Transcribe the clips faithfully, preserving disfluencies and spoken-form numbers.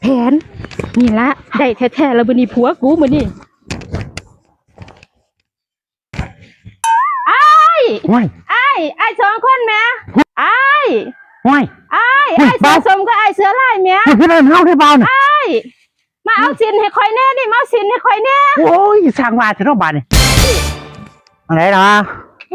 แผนนี่ละได้แท้ๆแล้วบัดนี้ผัวกูมื้อนี้อ้ายห้วยอ้ายอ้ายสองคนแหมอ้ายห้วยอ้ายอ้ายสะสมก็อ้ายเสือลายแหมห้วยคือเดินเฮาได้เบาน่ะอ้ายมาเอาสินให้ข่อยแน่นี่มาเอาสินให้ข่อยแน่โอ้ยสร้างว่าเถอะเนาะบาดนี่อะไรเนาะ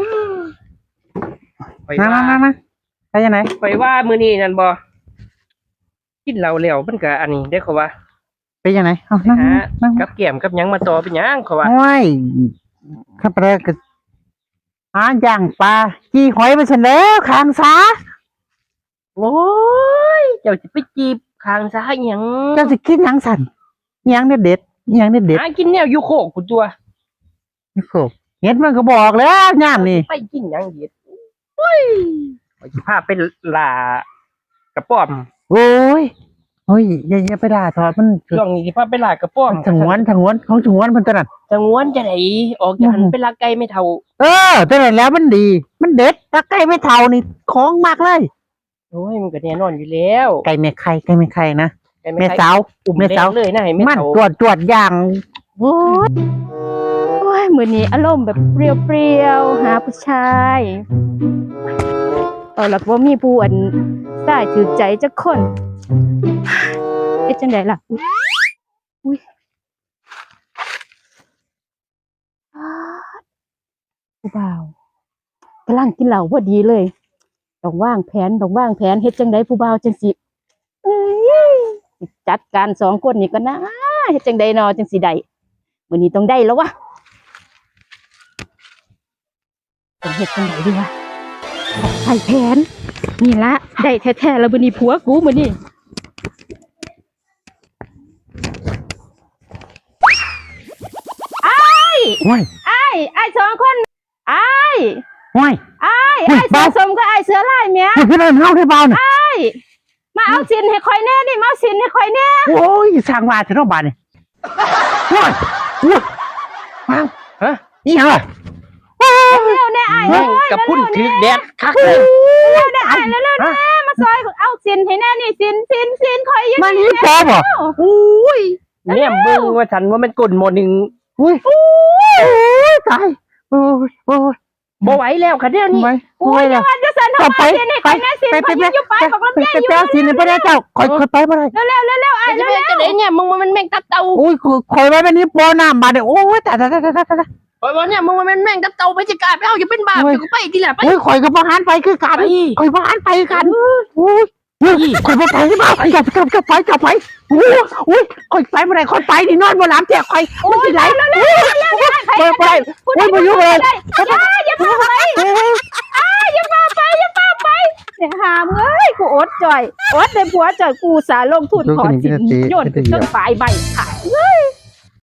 ไปมาว่ามามามาไปยังไงไปว่ามื้อนี้นั่นบ่กินเหล้าแล้วมันก็อันนี้ได้เขาว่าไปยังไงเอานั่งหานั่งกับแก้มกับหยังมาต่อเป็นหยังเขาว่าห้วยข้าพเจ้าก็หาย่างปลาจี้หอยไปเสร็จแล้วข้างซาโอ้ยเจ้าสิไปจีบข้างซ้ายหยังเจ้าสิกินหยังสั่นหยังเด็ดเด็ดหยังเด็ดเด็ดหากินแนวอยู่โคกกูตัวนี่โคเห็ดมันก็บอกแล้วย่ามนี่ไปกินหยังเด็ดโอ้ยไปสิพาไปล่ากระป๋อมโอ้ยโอ้ยอย่าอย่าไปด่าทอดมันช่วงนี้สิพาไปล่ากระป๋อมถงวนถงวนของถงวนมันตัวนั้นสงวนจะไหนออกจากหันไปลักไก่ไม่เท่าเออตัวนั้นแล้วมันดี มันเด็ดถ้าไก่ไม่เท่านี่ของมากเลยโอ้ยมันก็แน่นอนอยู่แล้วไก่เมฆไข่ไก่เมฆไข่นะไก่เมไม่ฆไข่สาวอุ่มเมฆแดสาวงเลยนะให้ไม่มันเท่าตรวจตรวจอย่างโอ้ยโอ้ยมื้อนี้อารมณ์แบบเปรี้ยวๆหาผู้ชายเอาล่ะบ่มีผู้อันสายถือใจจักคนเฮ็ดจังได๋ล่ะอุ๊ยผู้บ่าวกำลังกินเหล้าพอดีเลยต้องวางแผนต้องวางแผนเฮ็ดจังไดผู้บ่าวจังสิเอ้ยจัดการสองคนนี่ก็นะเฮ็ดจังไดเนาะจังสิได้มื้อนี้ต้องได้แล้ววะต้องเฮ็ดจังไดดีวะใส่แผนนี่ละได้แท้ๆแล้วมื้อนี้ผัวกูมื้อนี้อ้ายห้วยอ้ายอ้ายสองคนอ้ายห้วยอ้ายเฮ้ยอ้ายเบาสะสมก็อ้ายเสือลายแหมห้วยคือเดินเฮาได้เบาน่ะอ้ายมาเอาสินให้ข่อยแน่นี่มาเอาสินให้ข่อยแน่โอ้ยสร้างว่าเถอะเนาะบาดนี่ห้วยห้วยว้าวฮะนี่เหรอเร็วๆแน่อ้ายแม่เร็วงๆกับพุ่นเร็วๆถือแน่แดดคักเลยเร็วๆแน่อ้ายเร็วๆแน่มาซอยเอาสินให้แน่นี่สินสินสินข่อยอยังมันนี่ปอบ่อุ้ยเนี่ยเบิ่งว่าฉันว่ามันกลนหมอหนึ่งอุ้ยโอ้ยตายโอ้ยโอ้ยบ่ไหวแล้วค่ะเดี๋ยวนี้ไม่โอ้ยไม่จัละงหวัดจะสันทำไมสินให้ข่อยแน่สินไปข่อยไปยังอยู่ไปบอกลำไปไยไปอยู่ไปเอาสิเนี่ยไปได้เจ้าคอยคอยไปบ่ได้เร็วๆเร็วๆอ้ายจะเร็วเป็นจะไหนเนี่ยมึงมันแม่งตับเต่าโอ้ยคอยไว้แบบนี้ปอน้ำบาดเนี่ยโอ้ยตายตายตายตายตายโอ้ยเนี่ยมึงมันแม่งตับเต่าไปจะกลายไปเอาอย่าเป็นบาปอย่าไปทีละไปโอ้ยคอยกับพหารไปคือกันไปคอยพหารไปกันโอ้ยคอยไปไปที่บ้านกลับกลับกลับไปกลับไปโอ้ยโอ้ยคอยไปบ่ได้คอยไปดินอนบนหลังแจกคอยมันสิไหลไปไปโอ้ยมายุ่งเลยอย่าอย่าพาไปอ้ายอย่าพาไปอย่าพาไปเนี่ยหามเอ้ยกูอดจ่อยอดได้ผัวจ่อยกูสาลงทุนขอสินโยนจนปลายใบค่ะเฮ้ย